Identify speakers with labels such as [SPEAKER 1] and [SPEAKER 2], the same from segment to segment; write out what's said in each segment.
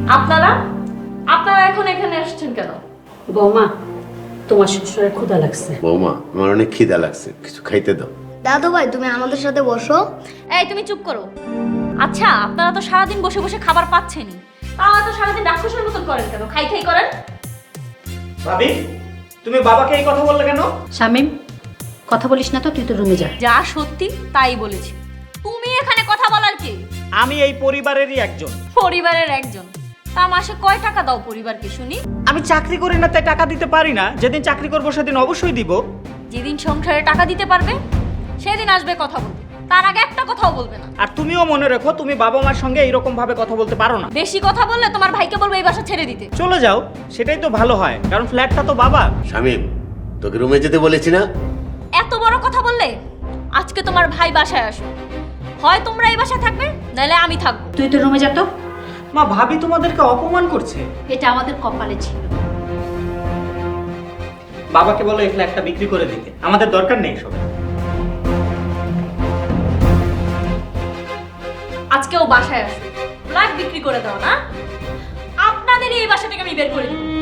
[SPEAKER 1] আপনারা আপনারা এখন এখানে আসছেন কেন?
[SPEAKER 2] বৌমা, তোমার শ্বশুরের ক্ষুধা লাগছে।
[SPEAKER 3] বৌমা, আমার অনেক খিদা লাগছে, কিছু খাইতে দাও।
[SPEAKER 4] দাদু ভাই তুমি আমাদের সাথে বসো।
[SPEAKER 1] এই তুমি চুপ করো। আচ্ছা, আপনারা তো সারাদিন বসে বসে খাবার পাচ্ছেনই, তাও তো সারাদিন রাক্ষসের মতন করেন কেন? খাই খাই করেন।
[SPEAKER 5] ভাবি, তুমি বাবাকে এই কথা বললে কেন?
[SPEAKER 2] শামিম, কথা বলিস না তো, তুই তো রুমে যা।
[SPEAKER 1] যা সত্যি তাই বলেছি। তুমি এখানে কথা বলার কি?
[SPEAKER 5] আমি এই পরিবারেরই একজন।
[SPEAKER 1] পরিবারের একজন? তা মাসে কয় টাকা দাও পরিবারকে শুনি?
[SPEAKER 5] আমি চাকরি করি না তাই টাকা দিতে পারি না। যেদিন চাকরি করবো সেদিন অবশ্যই দিব।
[SPEAKER 1] যেদিন সংসারে টাকা দিতে পারবে সেদিন আসবে কথা বলবে, তার আগে একটা কথাও বলবে না।
[SPEAKER 5] আর তুমিও মনে রেখো, তুমি বাবা মার সঙ্গে এইরকম ভাবে কথা বলতে পারো না।
[SPEAKER 1] বেশি কথা বললে তোমার ভাইকে বলবো এই বাসা ছেড়ে দিতে।
[SPEAKER 5] চলে যাও, সেটাই তো ভালো হয়, কারণ ফ্ল্যাটটা তো বাবা।
[SPEAKER 3] শামিম, তোকে রুমে যেতে বলেছি না?
[SPEAKER 1] এত বড় কথা বললে আজকে তোমার ভাই বাসায় আসো, হয় তোমরা এই বাসায় থাকবে নাহলে আমি থাকবো।
[SPEAKER 2] তুই তো রুমে যা তো।
[SPEAKER 5] মা, ভাবি তোমাদেরকে অপমান করছে।
[SPEAKER 2] এটা আমাদের কপালে ছিল।
[SPEAKER 5] বাবাকে বলো এই ফ্ল্যাটটা বিক্রি করে দিতে, আমাদের দরকার নেই সব।
[SPEAKER 1] আজকেও বাসায় আসো, ফ্ল্যাট বিক্রি করে দাও না? আপনাদের এই বাসা থেকে আমি বের করে দেব।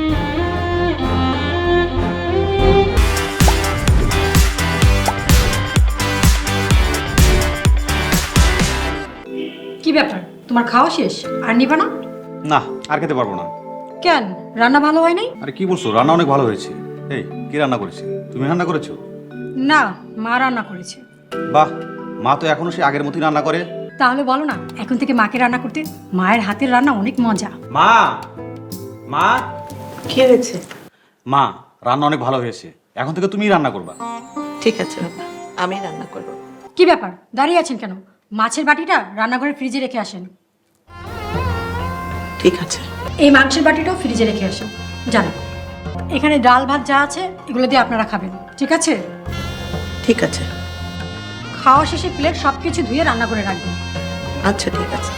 [SPEAKER 6] কি ব্যাপার, তোমার খাওয়া শেষ আর নিবা না?
[SPEAKER 7] না, আর খেতে পারবো না।
[SPEAKER 6] কেন, রান্না ভালো হয় নাই?
[SPEAKER 7] আরে কি বলছো, রান্না অনেক ভালো হয়েছে। এই, কি রান্না করেছে? তুমি রান্না করেছো?
[SPEAKER 6] না, মা রান্না করেছে।
[SPEAKER 7] বাহ, মা তো এখনো সে আগের মতোই রান্না করে।
[SPEAKER 6] তাহলে বলো না, এখন থেকে মাকে রান্না করতে। মায়ের হাতের রান্না অনেক মজা।
[SPEAKER 5] মা, মা,
[SPEAKER 8] কি হয়েছে?
[SPEAKER 7] মা, রান্না অনেক ভালো হয়েছে, এখন থেকে তুমিই রান্না করবা।
[SPEAKER 8] ঠিক আছে বাবা, আমি রান্না করব।
[SPEAKER 6] কি ব্যাপার, দাঁড়িয়ে আছেন কেন? মাছের বাটিটা রান্নাঘরের ফ্রিজে রেখে আসেন।
[SPEAKER 8] ঠিক আছে।
[SPEAKER 6] এই মাংসের বাটিটাও ফ্রিজে রেখে আসেন। জানো, এখানে ডাল ভাত যা আছে এগুলো দিয়ে আপনারা খাবেন, ঠিক আছে?
[SPEAKER 8] ঠিক আছে।
[SPEAKER 6] খাওয়া শেষে প্লেট সব কিছু ধুয়ে রান্না করে রাখবেন।
[SPEAKER 8] আচ্ছা ঠিক আছে।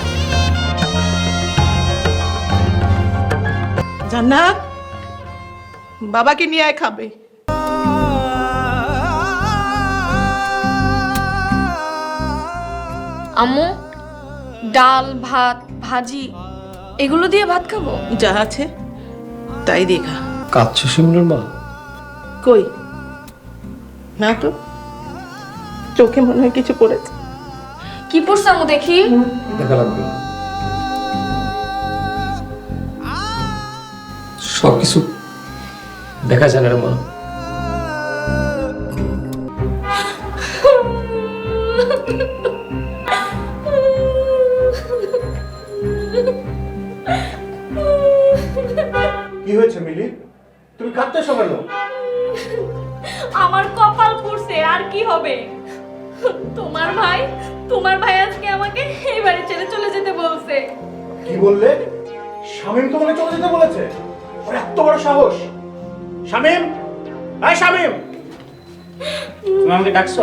[SPEAKER 8] জান্নাত, বাবাকে নিয়ে আয় খাবে।
[SPEAKER 9] আম্মু, ডাল ভাত ভাজি এগুলো দিয়ে ভাত খাবো?
[SPEAKER 8] যা আছে তাই দিয়ে খা।
[SPEAKER 10] কাঁদছো শিমুলের মা?
[SPEAKER 8] কই না তো, চোখে মনে হয় কিছু পড়েছে।
[SPEAKER 9] কি পড়ছে আম্মু দেখি?
[SPEAKER 10] দেখা লাগবে না। সবকিছু দেখা যায় না রে মা।
[SPEAKER 3] কি হয়েছে মিলি? তুমি কাঁদতেছো কেন?
[SPEAKER 1] আমার কপাল পুড়ছে, আর কি হবে? তোমার ভাই আজকে আমাকে এই বাড়ি ছেড়ে চলে যেতে বলছে।
[SPEAKER 11] কি বললে? শামিম তোমাকে চলে যেতে বলেছে? ওর এত বড় সাহস! শামিম, এই শামিম,
[SPEAKER 5] তুমি আমাকে ডাকছো?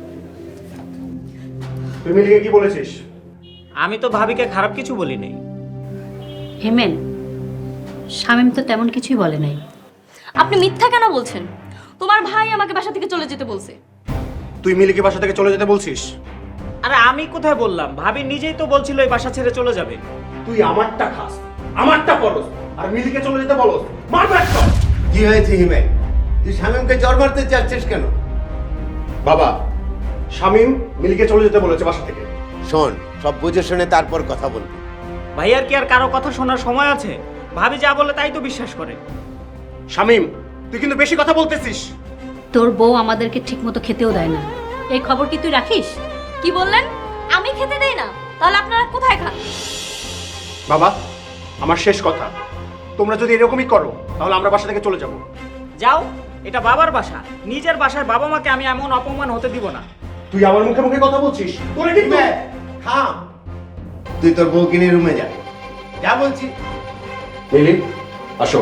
[SPEAKER 11] তুই মিলিকে কি বলেছিস?
[SPEAKER 5] আমি তো ভাবিকে খারাপ কিছু বলি নাই।
[SPEAKER 2] হেমেন, শামিম তো তেমন কিছুই বলে নাই।
[SPEAKER 1] আপনি মিথ্যা কেন বলছেন? তোমার ভাই আমাকে বাসা থেকে চলে যেতে বলছে।
[SPEAKER 11] তুই মিলিকে বাসা থেকে চলে যেতে বলছিস?
[SPEAKER 5] আরে আমি কোথায় বললাম, ভাবি নিজেই তো বলছিল এই বাসা ছেড়ে চলে যাবে।
[SPEAKER 11] তুই আমারটা খাস, আমারটা পরস, আর মিলিকে চলে যেতে বলস। মারবে একটা!
[SPEAKER 3] কি হয়েছে হিমে? তুই শামিমকে জ্বর মারতে চাচ্ছিস কেন?
[SPEAKER 11] বাবা, শামিম মিলিকে চলে যেতে বলেছে বাসা থেকে।
[SPEAKER 3] শোন, সব বুঝে শুনে তারপর কথা বলবি।
[SPEAKER 5] ভাইয়ার কি আর কারো কথা শোনার সময় আছে? ভাবি যা বলে তাই তো বিশ্বাস করে।
[SPEAKER 11] শামিম, তুই কিন্তু বেশি কথা বলতেছিস।
[SPEAKER 2] তোর বউ আমাদেরকে ঠিকমতো খেতেও দেয় না, এই খবর কি তুই রাখিস?
[SPEAKER 1] কি বললেন? আমি খেতে দেই না? তাহলে আপনারা কোথায় খান?
[SPEAKER 11] বাবা, আমার শেষ কথা, তোমরা যদি এরকমই করো তাহলে আমরা বাসা থেকে চলে যাব।
[SPEAKER 5] যাও, এটা বাবার বাসা, নিজের বাসায় বাবা মাকে আমি এমন অপমান হতে দিব না।
[SPEAKER 11] তুই আমার মুখে মুখে কথা বলছিস? তোরে কিন্তু
[SPEAKER 3] হিমে, থাম। তুই তোর বউকে নিয়ে রুমে যা, যা বলছি।
[SPEAKER 11] মিলি, আসো।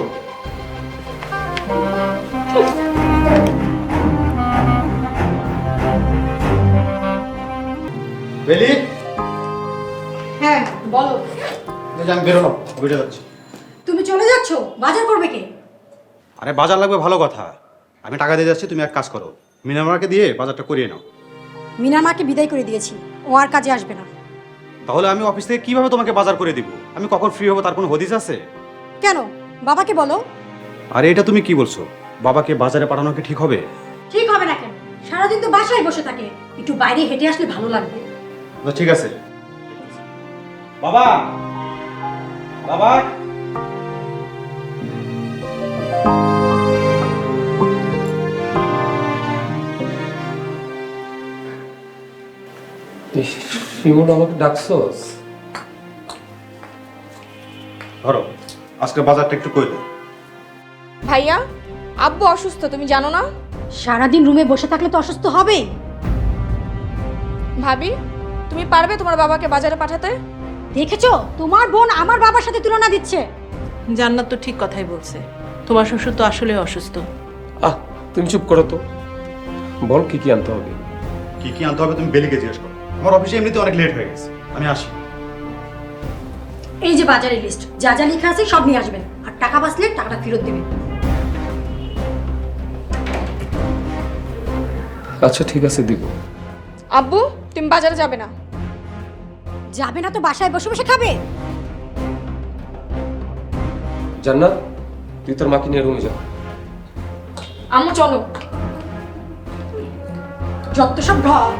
[SPEAKER 10] বেলি,
[SPEAKER 6] হ্যাঁ বলো।
[SPEAKER 10] আমি বেরোলাম, বুঝে যাচ্ছি।
[SPEAKER 6] তুমি চলে যাচ্ছো, বাজার করবে কে?
[SPEAKER 7] আরে বাজার লাগবে ভালো কথা, আমি টাকা দিয়ে যাচ্ছি, তুমি এক কাজ করো, মিনামাকে দিয়ে বাজারটা করিয়ে নাও।
[SPEAKER 6] মিনার মাকে বিদায় করে দিয়েছি, ও আর কাজে আসবে না।
[SPEAKER 7] তাহলে আমি অফিস থেকে কিভাবে তোমাকে বাজার করে দিব? আমি কখন ফ্রি হবো তার কোনো হদিস আছে?
[SPEAKER 6] কেন বাবাকে বলো।
[SPEAKER 7] আরে এটা তুমি কি বলছো? বাবাকে বাজারে পাঠানো কি ঠিক হবে?
[SPEAKER 6] ঠিক হবে না কেন? সারাদিন তো বাসায় বসে থাকে, একটু বাইরে হেঁটে আসলে ভালো লাগবে।
[SPEAKER 7] তো ঠিক আছে। বাবা, বাবা,
[SPEAKER 10] শিমুল আমাকে ডাকছস?
[SPEAKER 7] ধরো আজকে বাজারটা একটু কইলো।
[SPEAKER 9] ভাইয়া, আব্বু অসুস্থ, তুমি জানো না?
[SPEAKER 6] সারাদিন রুমে বসে থাকলে তো অসুস্থ হবেই।
[SPEAKER 9] ভাবি, তুমি পারবে তোমার বাবাকে বাজারে পাঠাতে?
[SPEAKER 6] দেখেছো, তোমার বোন আমার বাবার সাথে তুলনা দিচ্ছে।
[SPEAKER 8] জান্নাত তো ঠিক কথাই বলছে, তোমার শ্বশুর তো আসলে অসুস্থ।
[SPEAKER 10] আহ, তুমি চুপ করো তো। বল কি কি আনতে হবে?
[SPEAKER 7] কি কি আনতে হবে তুমি বেলিকে জিজ্ঞেস করো। আমার অফিসে এমনিতে অনেক লেট হয়ে গেছে, আমি আসি।
[SPEAKER 6] এই যে বাজারের লিস্ট, যা যা লেখা আছে সব নিয়ে আসবেন, আর টাকা বাঁচলে টাকাটা ফেরত দেবেন।
[SPEAKER 10] আচ্ছা ঠিক আছে, দিব।
[SPEAKER 9] আব্বু, তুমি বাজারে যাবে না?
[SPEAKER 6] যাবে না তো বাসায় বসে বসে খাবে?
[SPEAKER 10] জান্নাত, তুই তোর মাকে নিয়ে রুমে যা।
[SPEAKER 9] আম্মু চলো।
[SPEAKER 6] যত সব ঢং।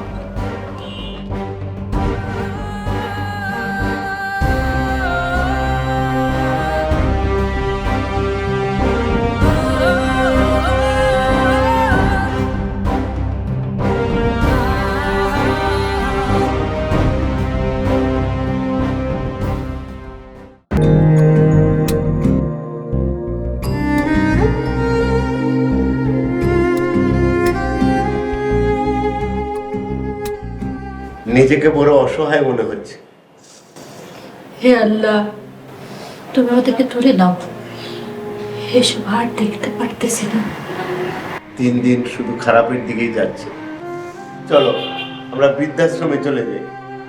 [SPEAKER 3] নিজেকে বড় অসহায় মনে হচ্ছে।
[SPEAKER 2] হে আল্লাহ, তুমি ওদেরকে তুলে নাও, এসব আর দেখতে পারতেছি না।
[SPEAKER 3] দিন দিন শুধু খারাপের দিকেই যাচ্ছে। চলো আমরা বৃদ্ধাশ্রমে চলে যাই।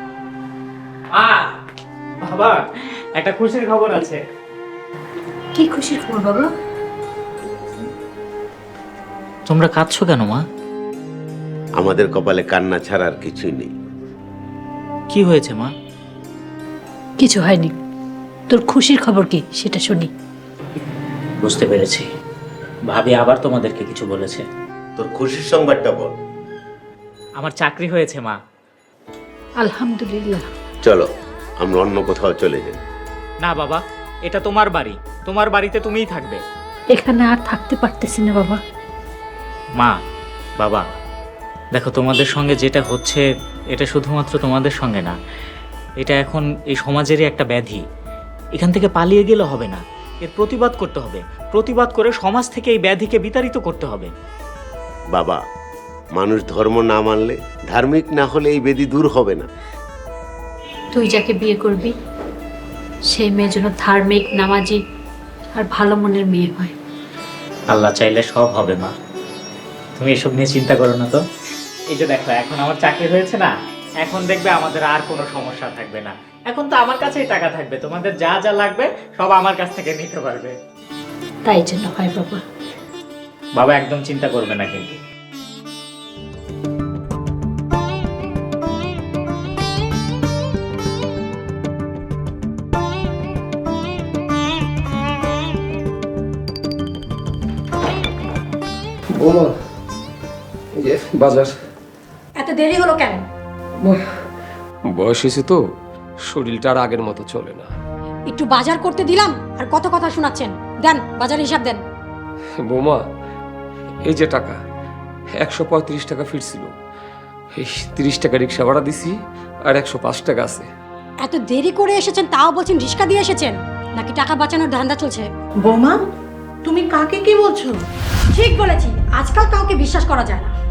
[SPEAKER 5] বাবা, একটা খুশির খবর আছে।
[SPEAKER 2] কি খুশির খবর বাবা?
[SPEAKER 5] তোমরা কাঁদছো কেন মা?
[SPEAKER 3] আমাদের কপালে কান্না ছাড়া আর কিছুই নেই।
[SPEAKER 5] কি হয়েছে মা?
[SPEAKER 2] কিছু হয়নি, তোর খুশির খবর কি সেটা শুনি।
[SPEAKER 5] বুঝতে পেরেছি, ভাবি আবার তোমাদেরকে কিছু বলেছে।
[SPEAKER 3] তোর খুশির সংবাদটা বল।
[SPEAKER 5] আমার চাকরি হয়েছে মা।
[SPEAKER 2] আলহামদুলিল্লাহ।
[SPEAKER 3] চলো আমরা অন্য কোথাও চলে যাই।
[SPEAKER 5] না বাবা, এটা তোমার বাড়ি, তোমার বাড়িতে তুমিই থাকবে।
[SPEAKER 2] এখানে আর থাকতে পারতেছি না বাবা।
[SPEAKER 5] মা, বাবা, দেখো তোমাদের সঙ্গে যেটা হচ্ছে এটা শুধুমাত্র তোমাদের সঙ্গে না, এটা এখন এই সমাজেরই একটা ব্যাধি। এখান থেকে পালিয়ে গেলে হবে না, এর প্রতিবাদ করতে হবে। প্রতিবাদ করে সমাজ থেকে এই ব্যাধিকে বিতাড়িত করতে হবে।
[SPEAKER 3] বাবা, মানুষ ধর্ম না মানলে, ধার্মিক না হলে এই ব্যাধি দূর হবে না।
[SPEAKER 2] তুই যাকে বিয়ে করবি সেই মেয়ের জন্য ধার্মিক, নামাজি আর ভালো মনের মেয়ে হয়।
[SPEAKER 5] আল্লাহ চাইলে সব হবে মা, তুমি এসব নিয়ে চিন্তা করো না তো। এই যে দেখো, এখন আমার চাকরি হয়েছে না, এখন দেখবে আমাদের আর কোনো সমস্যা থাকবে না। এখন তো আমার কাছেই টাকা থাকবে, তোমাদের যা যা লাগবে সব আমার কাছ থেকে নিতে পারবে।
[SPEAKER 2] তাই জন্য হয় বাবা।
[SPEAKER 5] বাবা একদম চিন্তা করবে না কিন্তু।
[SPEAKER 10] বৌমা, এই যে বাজার।
[SPEAKER 6] এত দেরি হলো কেন?
[SPEAKER 10] বয়স হয়েছে তো, শরীরটা আর আগের মতো চলে না।
[SPEAKER 6] একটু বাজার করতে দিলাম আর কত কথা শোনাচ্ছেন। দেন বাজার হিসাব দেন।
[SPEAKER 10] বৌমা, এই যে টাকা 135 টাকা ফিরছিল, এই 30 টাকা রিক্সা ভাড়া দিছি, আর 105 টাকা আছে।
[SPEAKER 6] এত দেরি করে এসেছেন, তাও বলছেন রিস্কা দিয়ে এসেছেন, নাকি টাকা বাঁচানোর ধান্দা চলছে?
[SPEAKER 8] বৌমা, তুমি কাকে কি বলছো?
[SPEAKER 6] ঠিক বলেছি, আজকাল কাউকে বিশ্বাস করা যায় না।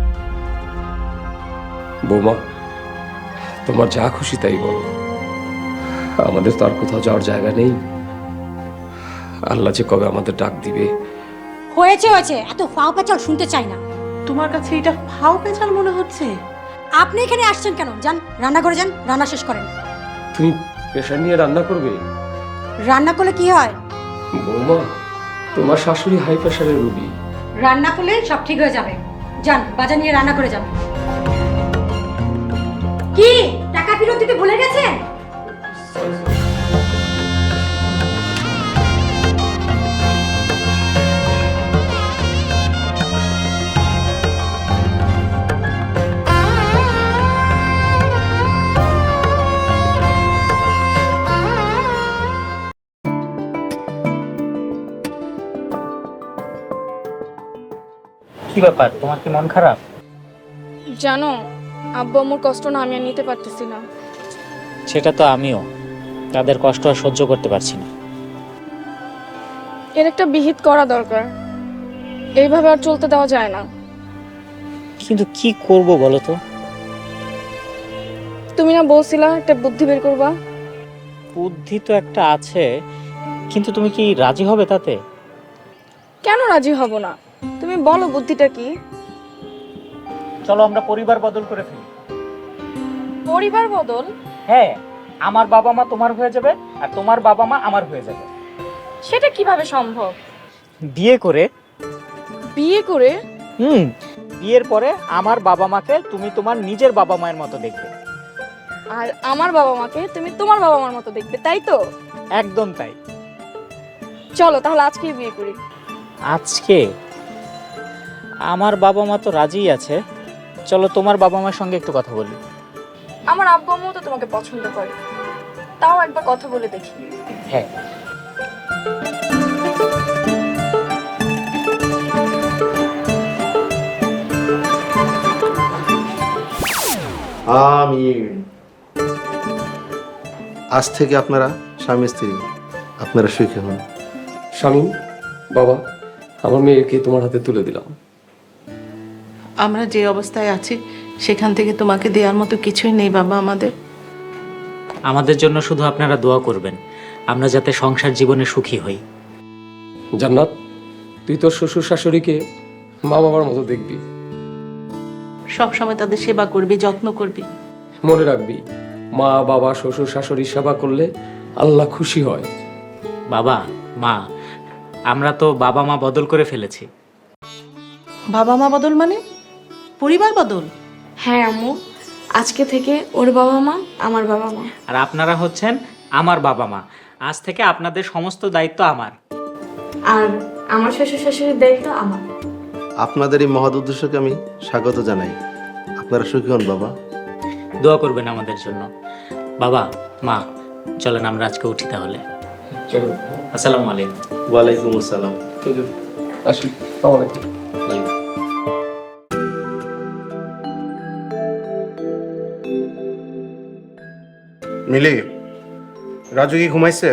[SPEAKER 10] বৌমা, তোমার যা খুশি তাই বলো, আমাদের তো আর কোথাও যাওয়ার জায়গা নেই। আল্লাহ যে কবে আমাদের ডাক দিবে।
[SPEAKER 6] হয়েছে হয়েছে, এত ফাও পেঁচাল শুনতে চাই না।
[SPEAKER 8] তোমার কাছে এটা ফাও পেঁচাল মনে হচ্ছে?
[SPEAKER 6] আপনি এখানে আসছেন কেন? যান রান্না করে যান, রান্না শেষ করেন।
[SPEAKER 10] তুমি প্রেশার নিয়ে রান্না করবে?
[SPEAKER 6] রান্না করলে কি হয়?
[SPEAKER 10] বৌমা, তোমার শাশুড়ি হাই প্রেশারের রোগী।
[SPEAKER 6] রান্না করলে সব ঠিক হয়ে যাবে। যান বাজার নিয়ে রান্না করে যান। কি টাকা ফেরত দিতে ভুলে গেছেন?
[SPEAKER 5] কি ব্যাপার, তোমার কি মন খারাপ?
[SPEAKER 9] জানো, আব্বু আম্মুর কষ্ট না আমি আর নিতে পারতেছি না।
[SPEAKER 5] সেটা তো আমিও, তাদের কষ্ট আর সহ্য করতে পারছি না।
[SPEAKER 9] এর একটা বিহিত করা দরকার, এইভাবে আর চলতে দেওয়া যায় না।
[SPEAKER 5] কিন্তু কি করব বলো তো?
[SPEAKER 9] তুমি না বলছিলা একটা বুদ্ধি বের করবা?
[SPEAKER 5] বুদ্ধি তো একটা আছে, কিন্তু তুমি কি রাজি হবে তাতে?
[SPEAKER 9] কেন রাজি হব না? তুমি বলো বুদ্ধিটা কি?
[SPEAKER 5] চলো আমরা পরিবার বদল করে ফেলি।
[SPEAKER 9] পরিবার বদল?
[SPEAKER 5] হ্যাঁ, আমার বাবা মা তোমার হয়ে যাবে আর তোমার বাবা মা আমার হয়ে যাবে।
[SPEAKER 9] সেটা কিভাবে সম্ভব?
[SPEAKER 5] বিয়ে করে।
[SPEAKER 9] বিয়ে করে?
[SPEAKER 5] বিয়ের পরে আমার বাবা মাকে তুমি তোমার নিজের বাবা মায়ের মতো দেখবে,
[SPEAKER 9] আর আমার বাবা মাকে তুমি তোমার বাবা মার মতো দেখবে, তাই তো?
[SPEAKER 5] একদম তাই।
[SPEAKER 9] চলো তাহলে আজকেই বিয়ে করি।
[SPEAKER 5] আজকে? আমার বাবা মা তো রাজিই আছে, চলো তোমার বাবা মার সঙ্গে একটু কথা বলি।
[SPEAKER 9] আমার আব্বু আম্মু তো তোমাকে পছন্দ করে, তাও একবার কথা বলে দেখি।
[SPEAKER 5] হ্যাঁ।
[SPEAKER 3] আমিন। আজ থেকে আপনারা স্বামী স্ত্রী, আপনারা সুখী হন।
[SPEAKER 10] স্বামী, বাবা, আমার মেয়েকে তোমার হাতে তুলে দিলাম।
[SPEAKER 8] আমরা যে অবস্থায় আছি সেখান থেকে তোমাকে দেওয়ার মতো কিছুই নেই বাবা আমাদের।
[SPEAKER 5] আমাদের জন্য শুধু আপনারা দোয়া করবেন, আমরা যাতে সংসার জীবনে সুখী হই।
[SPEAKER 10] জান্নাত, তুই তোর শ্বশুর শাশুড়িকে মা বাবার মতো দেখবি,
[SPEAKER 8] সব সময় তাদের সেবা করবি, যত্ন করবি।
[SPEAKER 10] মনে রাখবি মা বাবা শ্বশুর শাশুড়ির সেবা করলে আল্লাহ খুশি হয়।
[SPEAKER 5] বাবা মা, আমরা তো বাবা মা বদল করে ফেলেছি।
[SPEAKER 8] বাবা মা বদল মানে পরিবার বদল?
[SPEAKER 9] হ্যাঁ আম্মু, আজকে থেকে ওর বাবা মা আমার বাবা মা।
[SPEAKER 5] আর আপনারা হচ্ছেন আমার বাবা মা। আজ থেকে আপনাদের সমস্ত দায়িত্ব আমার।
[SPEAKER 9] আর আমার শ্বশুর শাশুড়ির দায়িত্ব আমার।
[SPEAKER 3] আপনাদের এই মহৎ উদ্দেশ্যকে আমি স্বাগত জানাই। আপনারা সুখী হন বাবা।
[SPEAKER 5] দোয়া করবেন আমাদের জন্য। বাবা মা, চলেন আমরা আজকে উঠি তাহলে।
[SPEAKER 10] চলো,
[SPEAKER 5] আসসালামু আলাইকুম।
[SPEAKER 3] ওয়ালাইকুম আসসালাম।
[SPEAKER 10] আসি। আসসালামু আলাইকুম।
[SPEAKER 11] মিলি, রাজু কি ঘুমাইছে?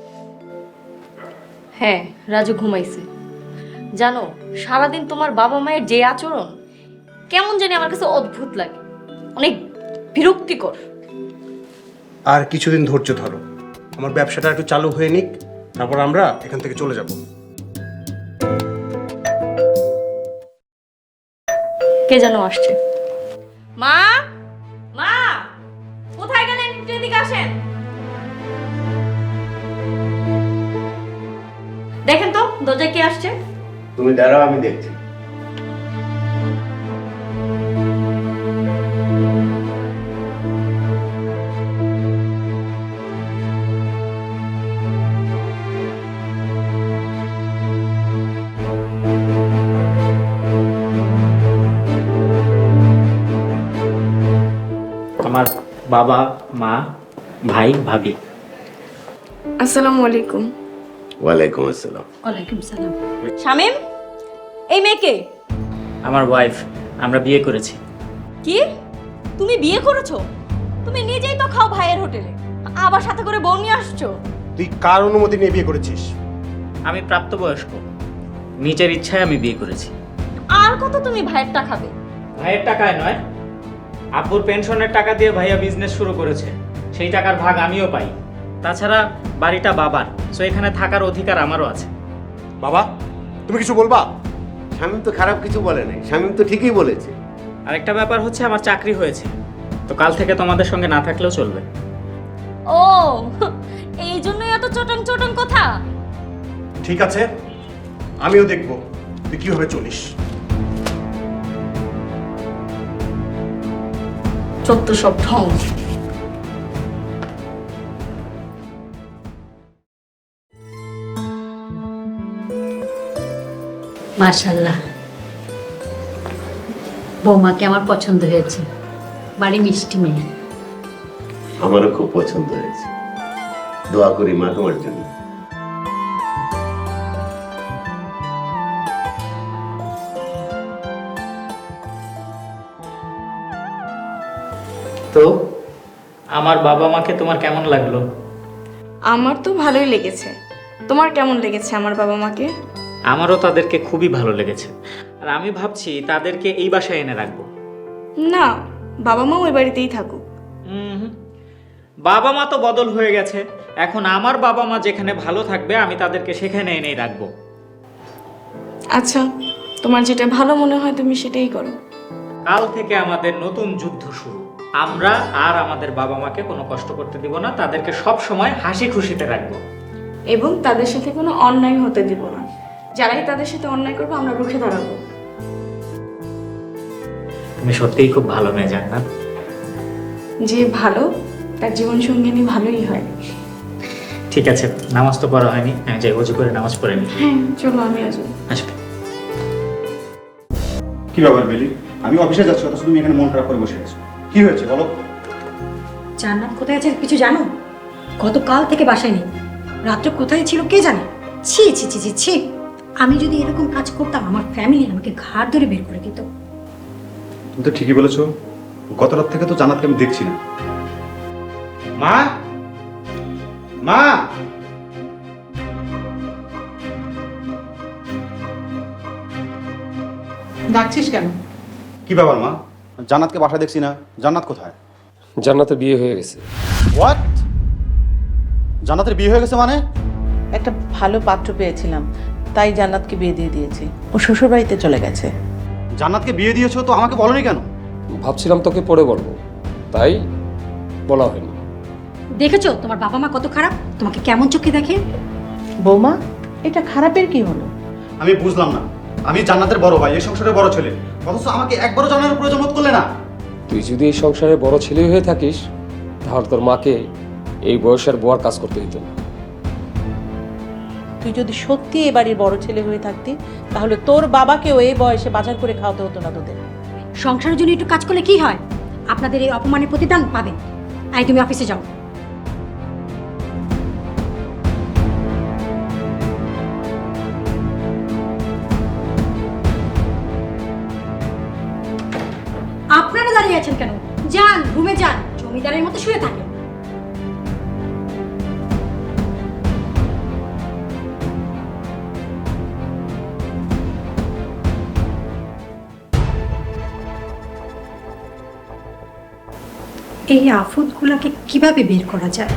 [SPEAKER 1] হ্যাঁ, রাজু ঘুমাইছে। জানো, সারাদিন তোমার বাবা মায়ের যে আচরণ কেমন জানি আমার কাছে অদ্ভুত লাগে, অনেক বিরক্তিকর।
[SPEAKER 11] আর কিছুদিন ধৈর্য ধরো, আমার ব্যবসাটা একটু চালু হয়ে নিক, তারপর আমরা এখান থেকে চলে যাব।
[SPEAKER 1] কে যেন আসছে। মা, মা, কোথায় গেলেন? একটু এদিকে আসেন। দেখেন তো দরজায় কে আসছে।
[SPEAKER 3] তুমি দাঁড়াও, আমি দেখছি।
[SPEAKER 5] আমার বাবা মা ভাই ভাবি।
[SPEAKER 9] আসসালামু আলাইকুম।
[SPEAKER 3] ওয়ালাইকুম আসসালাম।
[SPEAKER 2] ওয়ালাইকুম সালাম।
[SPEAKER 1] শামিম, এই মেয়েকে?
[SPEAKER 5] আমার ওয়াইফ, আমরা বিয়ে করেছি।
[SPEAKER 1] কি? তুমি বিয়ে করেছো? তুমি নিজেই তো খাও ভাইয়ের হোটেলে, আবার সাথে করে বউ নিয়ে আসছো।
[SPEAKER 11] তুই কার অনুমতি নিয়ে বিয়ে করেছিস?
[SPEAKER 5] আমি প্রাপ্তবয়স্ক, নিজের ইচ্ছায় আমি বিয়ে করেছি।
[SPEAKER 1] আর কত তুমি ভাইয়ের টাকা খাবে?
[SPEAKER 5] ভাইয়ের টাকায় নয়, আব্বুর পেনশনের টাকা দিয়ে ভাইয়া বিজনেস শুরু করেছে, সেই টাকার ভাগ আমিও পাই। তাছাড়া বাড়িটা বাবার, সো এখানে থাকার অধিকার আমারও আছে।
[SPEAKER 11] বাবা, তুমি কিছু বলবা?
[SPEAKER 3] শামীম তো খারাপ কিছু বলে নাই, শামীম তো ঠিকই বলেছে।
[SPEAKER 5] আরেকটা ব্যাপার হচ্ছে আমার চাকরি হয়েছে, তো কাল থেকে তোমাদের সঙ্গে না থাকলেও চলবে।
[SPEAKER 1] ও, এই জন্যই এত চটং চটং কথা।
[SPEAKER 11] ঠিক আছে, আমিও দেখব তুই কিভাবে চলিস।
[SPEAKER 1] চত্ব সব ঢং।
[SPEAKER 2] মাশাআল্লাহ, বৌমাকে আমার পছন্দ হয়েছে, বাড়ি মিষ্টি মেয়ে।
[SPEAKER 3] আমারও খুব পছন্দ হয়েছে। দোয়া করি মা তোমার জন্য।
[SPEAKER 5] তো আমার বাবা মাকে তোমার কেমন লাগলো?
[SPEAKER 9] আমার তো ভালোই লেগেছে। তোমার কেমন লেগেছে আমার বাবা মাকে?
[SPEAKER 5] আমারও তাদেরকে খুবই ভালো লেগেছে, আর আমি ভাবছি তাদেরকে এই বাসায় এনে রাখবো।
[SPEAKER 9] না, বাবা মা ওই বাড়িতেই থাকুক।
[SPEAKER 5] বাবা মা তো বদল হয়ে গেছে, এখন আমার বাবা মা যেখানে ভালো থাকবে আমি তাদেরকে সেখানে এনেই রাখবো।
[SPEAKER 9] আচ্ছা, তোমার যেটা ভালো মনে হয় তুমি সেটাই করো।
[SPEAKER 5] কাল থেকে আমাদের নতুন যুদ্ধ শুরু। আমরা আর আমাদের বাবা মাকে কোনো কষ্ট করতে দিব না, তাদেরকে সব সময় হাসি খুশিতে রাখবো।
[SPEAKER 9] এবং তাদের সাথে কোনো অন্যায় হতে দিব না। যারাই তাদের সাথে অন্যায় করবে আমরা রুখে দাঁড়াবো।
[SPEAKER 5] তুমি সত্যিই খুব ভালো মেয়ে জান্নাত।
[SPEAKER 9] যে ভালো তার জীবন সঙ্গিনী ভালোই হয়।
[SPEAKER 5] ঠিক আছে, নামাজ তো পড়া হয়নি, আমি যাই ওযু করে নামাজ পড়ে নি।
[SPEAKER 9] হ্যাঁ চলো, আমি আসবো।
[SPEAKER 5] আসবে।
[SPEAKER 7] কি ব্যাপার বেলি? আমি অফিসে যাচ্ছি, অথচ তুমি এখানে মন খারাপ করে বসে আছো। কি হয়েছে বলো?
[SPEAKER 6] জান্নাত কোথায় আছে কিছু জানো? গতকাল থেকে বাসায় নেই। রাত্রে কোথায় ছিল কে জানে। ছি ছি ছি ছি ছি, আমি যদি এরকম কাজ করতাম আমার ফ্যামিলি আমাকে ঘাড় ধরে বের করে দিত।
[SPEAKER 7] তুমি তো ঠিকই বলেছো, গত রাত থেকে তো জান্নাতকে আমি দেখছি না। মা, মা,
[SPEAKER 8] ডাকছিস কেন?
[SPEAKER 7] কি ব্যাপার মা? জান্নাতকে বাসায় দেখছি না, জান্নাত কোথায়?
[SPEAKER 10] জান্নাতের বিয়ে হয়ে গেছে।
[SPEAKER 7] হোয়াট? জান্নাতের বিয়ে হয়ে গেছে মানে?
[SPEAKER 8] একটা ভালো পাত্র পেয়েছিলাম, তাই জান্নাতকে বিয়ে দিয়ে দিয়েছি। ও শ্বশুর বাড়িতে চলে গেছে।
[SPEAKER 7] জান্নাতকে বিয়ে দিয়েছো তো আমাকে বলনি কেন?
[SPEAKER 10] ভাবছিলাম তোকে পরে বলবো, তাই বলা হয়নি।
[SPEAKER 6] দেখেছো তোমার বাবা মা কত খারাপ, তোমাকে কেমন চোখে দেখে।
[SPEAKER 8] বৌমা, এটা খারাপের কি হলো?
[SPEAKER 7] আমি বুঝলাম না, আমি জান্নাতের বড় ভাই, এই সংসারের বড় ছেলে, অথচ আমাকে একবারও জানানোর প্রয়োজন বোধ করলে না।
[SPEAKER 10] তুই যদি এই সংসারে বড় ছেলে হয়ে থাকিস তাহলে তোর মাকে এই বয়সের বুয়ার কাজ করতে দিত না।
[SPEAKER 8] তুই যদি সত্যি এই বাড়ির বড় ছেলে হয়ে থাকতি, তাহলে তোর বাবাকেও এই বয়সে বাজার করে খাওয়াতে হতো না তোদের।
[SPEAKER 6] সংসারের জন্য একটু কাজ করলে কি হয়? আপনাদের এই অপমানের প্রতিদান পাবেন। আই তুমি অফিসে যাও। আপনারা দাঁড়িয়ে আছেন কেন? যান রুমে যান, জমিদারের মতো শুয়ে থাকেন। এই আফতগুলোকে কিভাবে বের করা যায়?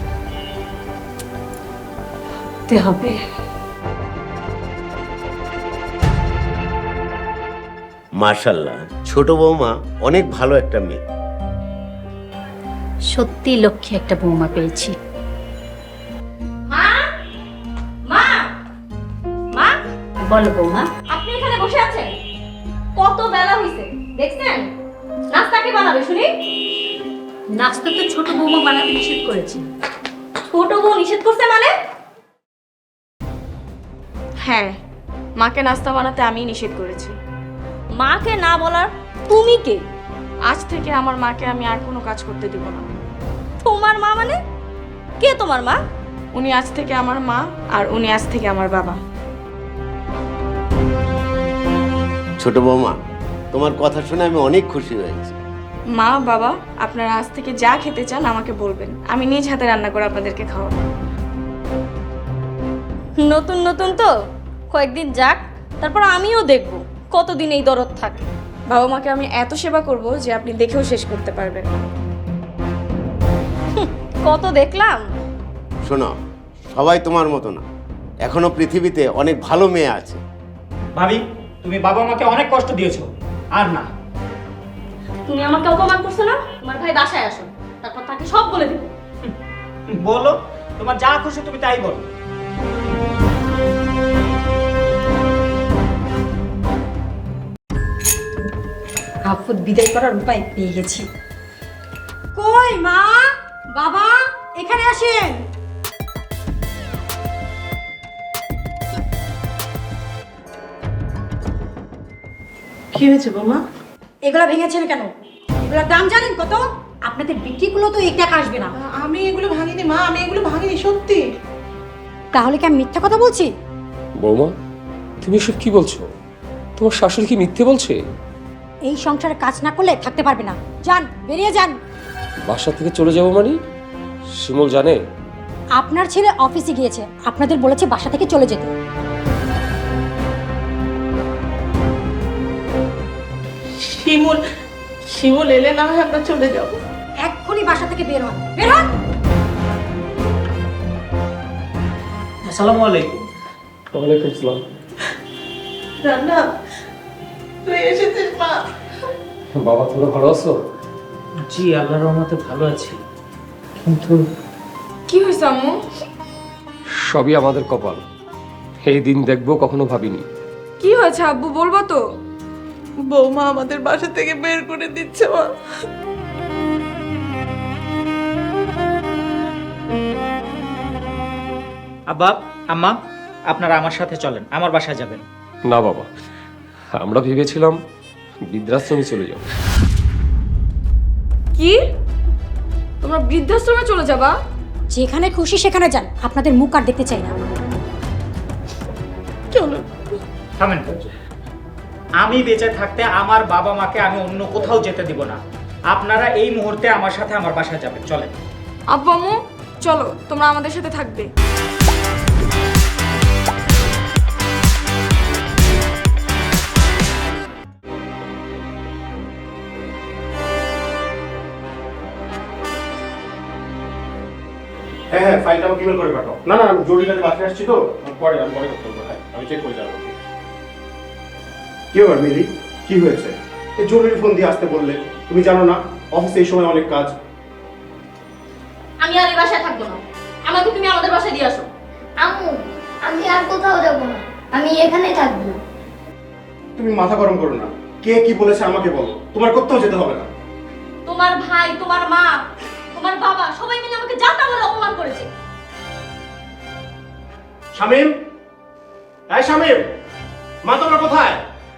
[SPEAKER 6] ভাবতে হবে।
[SPEAKER 3] মাশাআল্লাহ, ছোট বৌমা অনেক ভালো একটা মেয়ে।
[SPEAKER 2] সত্যি লক্ষ্মী একটা বৌমা পেয়েছি।
[SPEAKER 1] মা, মা, মা,
[SPEAKER 2] বলো বৌমা।
[SPEAKER 1] আপনি এখানে বসে আছেন? কত বেলা হইছে দেখছেন? নাস্তা কে বানাবে শুনি?
[SPEAKER 2] নাস্তা তো ছোট বৌমা বানাতে নিষেধ করেছে।
[SPEAKER 1] ছোট বউ নিষেধ করছে মানে?
[SPEAKER 9] হ্যাঁ, মাকে নাস্তা বানাতে আমি নিষেধ করেছি।
[SPEAKER 1] মাকে না বলার তুমি কে?
[SPEAKER 9] আজ থেকে আমার মাকে আমি আর কোনো কাজ করতে দিব না।
[SPEAKER 1] তোমার মা মানে? কে তোমার মা?
[SPEAKER 9] উনি আজ থেকে আমার মা, আর উনি আজ থেকে আমার বাবা।
[SPEAKER 3] ছোট বৌমা, তোমার কথা শুনে আমি অনেক খুশি হয়েছি।
[SPEAKER 9] মা, বাবা, আপনারা আজ থেকে যা খেতে চান আমাকে বলবেন, আমি নিজ হাতে রান্না করে আপনাদেরকে খাওয়াবো।
[SPEAKER 1] নতুন নতুন তো, কয়েকদিন যাক, তারপর আমিও দেখব কতদিন এই দরদ থাকে।
[SPEAKER 9] বাবা মাকে আমি এত সেবা করব যে আপনি দেখেও শেষ করতে পারবেন না।
[SPEAKER 1] কত দেখলাম।
[SPEAKER 3] শোনো, সবাই তোমার মতো না, এখনো পৃথিবীতে অনেক ভালো মেয়ে আছে।
[SPEAKER 5] ভাবি, তুমি বাবা মাকে অনেক কষ্ট দিয়েছো, আর না।
[SPEAKER 1] তুমি আমাকে অপমান করছো না? তোমার ভাই বাসায় আসো, তারপর তাকে সব বলে দেবো।
[SPEAKER 5] বলো, তোমার যা খুশি তুমি তাই বলো।
[SPEAKER 6] আফত বিদায় করার উপায় পেয়ে গেছি। কই মা, বাবা, এখানে আসেন।
[SPEAKER 8] কি হয়েছে বৌমা?
[SPEAKER 6] এগুলা ভেঙেছেন কেন? এগুলোর দাম জানেন কত? আপনাদের বিক্রিগুলো তো 1 টাকা আসবে না।
[SPEAKER 8] আমি এগুলো ভাঙিনি মা, আমি এগুলো ভাঙিনি সত্যি।
[SPEAKER 6] তাহলে কি আমি মিথ্যা কথা বলছি?
[SPEAKER 10] বৌমা, তুমি এসব কি বলছো? তোমার শাশুড়ি কি মিথ্যে বলছে?
[SPEAKER 6] এই সংসারে কাজ না করলে থাকতে পারবে না। যান, বেরিয়ে যান।
[SPEAKER 10] বাসা থেকে চলে যাবো মানে? শিমুল জানে?
[SPEAKER 6] আপনার ছেলে অফিসে গিয়েছে, আপনাদের বলেছে বাসা থেকে চলে যেতে।
[SPEAKER 8] শিমুল শিমুল এলে না হয় আমরা চলে যাব।
[SPEAKER 6] এক্ষুনি বাসা থেকে বের হন, বের হন।
[SPEAKER 5] আসসালামু আলাইকুম।
[SPEAKER 10] ওয়ালাইকুম আসসালাম।
[SPEAKER 8] রান্না তুই এসেছিস মা?
[SPEAKER 10] বাবা তোমরা ভালো আছো?
[SPEAKER 5] জি আল্লাহর রহমতে ভালো আছি, কিন্তু
[SPEAKER 9] কি হয়েছে আম্মু?
[SPEAKER 10] সবই আমাদের কপাল, এই দিন দেখবো কখনো ভাবিনি।
[SPEAKER 9] কি হয়েছে আব্বু, বলবো তো?
[SPEAKER 8] বৌমা আমাদের বাসা থেকে বের করে দিচ্ছে মা।
[SPEAKER 5] আব্বা আম্মা আপনারা আমার সাথে চলেন, আমার বাসায় যাবেন।
[SPEAKER 10] না বাবা, আমরা ভেবেছিলাম বৃদ্ধাশ্রমে চলে যাব।
[SPEAKER 9] কি, তোমরা বৃদ্ধাশ্রমে চলে যাবা?
[SPEAKER 6] যেখানে খুশি সেখানে যান, আপনাদের মুখ আর দেখতে চাই না।
[SPEAKER 8] চলো।
[SPEAKER 5] থামেন, আমি বেঁচে থাকতে আমার বাবা মাকে আমি অন্য কোথাও যেতে দিব না। আপনারা এই মুহূর্তে আমার সাথে আমার বাসায় যাবেন, চলেন।
[SPEAKER 9] আব্বু আম্মু চলো, তোমরা আমাদের সাথে থাকবে।
[SPEAKER 11] হ্যাঁ হ্যাঁ, ফাইলটা আমাকে ইমেল করে পাঠাও। না না, আমি জরুরি কাজে বাসায় আসছি তো, আমি পরে কথা বলবো। হ্যাঁ, আমি চেক করে যাবো। কি ব্যাপার মিলি, কি হয়েছে? এই জরুরি ফোন দিয়ে আসতে বললে, তুমি জানো না অফিসে এই সময় অনেক কাজ।
[SPEAKER 1] আমি আর এই বাসায় থাকবো না, আমাকে তুমি আমাদের বাসায় দিয়ে আসো।
[SPEAKER 4] আম্মু, আমি আর কোথাও যাব না, আমি এখানেই থাকবো।
[SPEAKER 11] তুমি মাথা গরম করো না, কে কি বলেছে আমাকে বলো, তোমার কোথাও যেতে হবে না।
[SPEAKER 1] তোমার ভাই, তোমার মা, তোমার বাবা সবাই মিলে আমাকে যা তা বলে অপমান করেছে।
[SPEAKER 11] শামিম, এই শামিম, মা তোমরা কোথায়?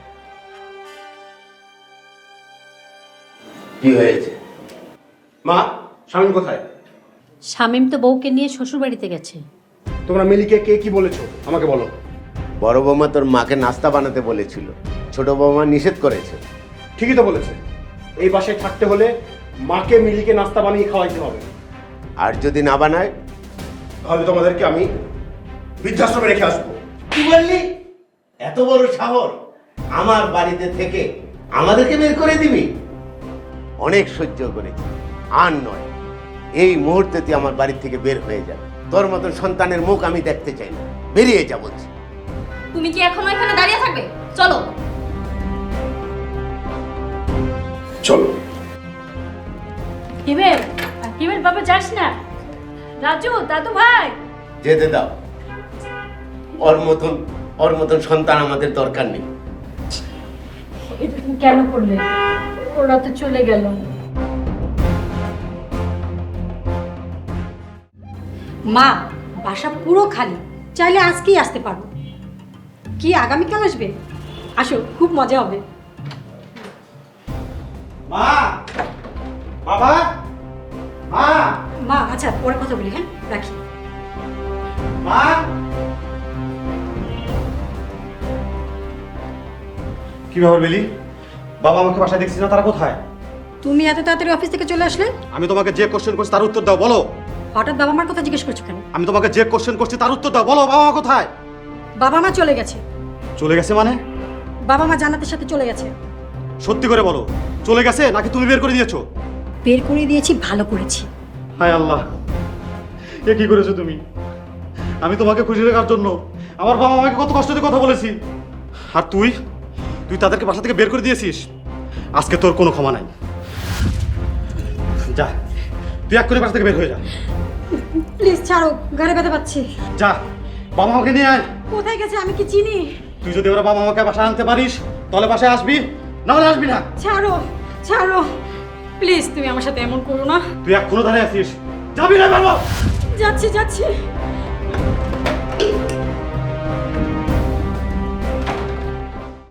[SPEAKER 3] কি হয়েছে?
[SPEAKER 11] মা, শামিম কোথায়?
[SPEAKER 2] শামীম তো বউকে নিয়ে শ্বশুর বাড়িতে গেছে।
[SPEAKER 11] তোমরা মিলিকে কে কি বলেছো আমাকে বলো।
[SPEAKER 3] বড় বৌমা তোর মাকে নাস্তা বানাতে বলেছিল, ছোট বৌমা নিষেধ করেছে।
[SPEAKER 11] ঠিকই তো বলেছে, এই বাসায় থাকতে হলে মাকে মিলিকে নাস্তা বানিয়ে খাওয়াইতে হবে।
[SPEAKER 3] আর যদি না বানায়?
[SPEAKER 11] তাহলে তোমাদেরকে আমি বৃদ্ধাশ্রমে রেখে আসবো।
[SPEAKER 3] কি বললি? এত বড় সাহস আমার বাড়িতে থেকে আমাদেরকে বের করে দিবি? অনেক সহ্য করেছি, আর নয়। এই মুহূর্তে তুই আমার বাড়ি থেকে বের হয়ে যা। তোর মতন সন্তানের মুখ আমি দেখতে চাই না, বেরিয়ে যা বলছি।
[SPEAKER 1] তুমি কি এখনো এখানে দাঁড়িয়ে থাকবে? চলো।
[SPEAKER 11] চলো।
[SPEAKER 2] হিমেল, হিমেল বাবা যাস না। রাজু, দাদু ভাই,
[SPEAKER 3] যেতে দাও। ওর মতন সন্তান আমাদের দরকার নেই।
[SPEAKER 2] এটা তুমি কেন করলে? ওরা তো চলে গেল।
[SPEAKER 6] মা, বাসা পুরো খালি, চাইলে আজকেই আসতে পারবো। কি আগামীকাল আসবে? আসো, খুব মজা হবে।
[SPEAKER 11] মা, বাবা, মা,
[SPEAKER 6] মা, আচ্ছা পরে কথা বলি, হ্যাঁ রাখি।
[SPEAKER 11] মা। কি ব্যাপার মিলি, বাবা আমাকে বাসায় দেখছি না, তারা কোথায়?
[SPEAKER 6] তুমি এত তাড়াতাড়ি অফিস থেকে চলে আসলে?
[SPEAKER 11] আমি তোমাকে যে কোশ্চেন করছি তার উত্তর দাও, বলো।
[SPEAKER 6] হঠাৎ বাবা মার কথা জিজ্ঞেস করছো কেন?
[SPEAKER 11] আমি তোমাকে যে কোশ্চেন করছি তার উত্তর দাও, বলো। বাবা মা কোথায়?
[SPEAKER 6] বাবা মা চলে গেছে।
[SPEAKER 11] চলে গেছে মানে?
[SPEAKER 6] বাবা মা জান্নাতের সাথে চলে গেছে।
[SPEAKER 11] সত্যি করে বলো, চলে গেছে নাকি তুমি বের করে দিয়েছো?
[SPEAKER 6] বের করে দিয়েছি, ভালো করেছি।
[SPEAKER 11] হায় আল্লাহ, এ কি করেছো তুমি? আমি তোমাকে খুশি রাখার জন্য আমার বাবা মাকে কত কষ্ট দিয়ে কথা বলেছি, আর তুই তাদেরকে বাসা থেকে বের করে দিয়েছিস। আজকে তোর কোনো ক্ষমা নাই। যা, তুই এক করে বাসা থেকে বের হয়ে যা।
[SPEAKER 6] প্লিজ ছাড়ো, ঘরে ব্যথা পাচ্ছি।
[SPEAKER 11] যা, বাবা মাকে নিয়ে আয়।
[SPEAKER 6] কোথায় গেছে আমি কি চিনি?
[SPEAKER 11] তুই যদি ওরা বাবা মাকে বাসায় আনতে পারিস তাহলে বাসায় আসবি, না হলে আসবি না।
[SPEAKER 6] ছাড়ো, ছাড়ো প্লিজ, তুমি আমার সাথে এমন করো না।
[SPEAKER 11] তুই এখনো দাঁড়িয়ে আছিস, যাবি না? বাবা,
[SPEAKER 6] যাচ্ছি যাচ্ছি।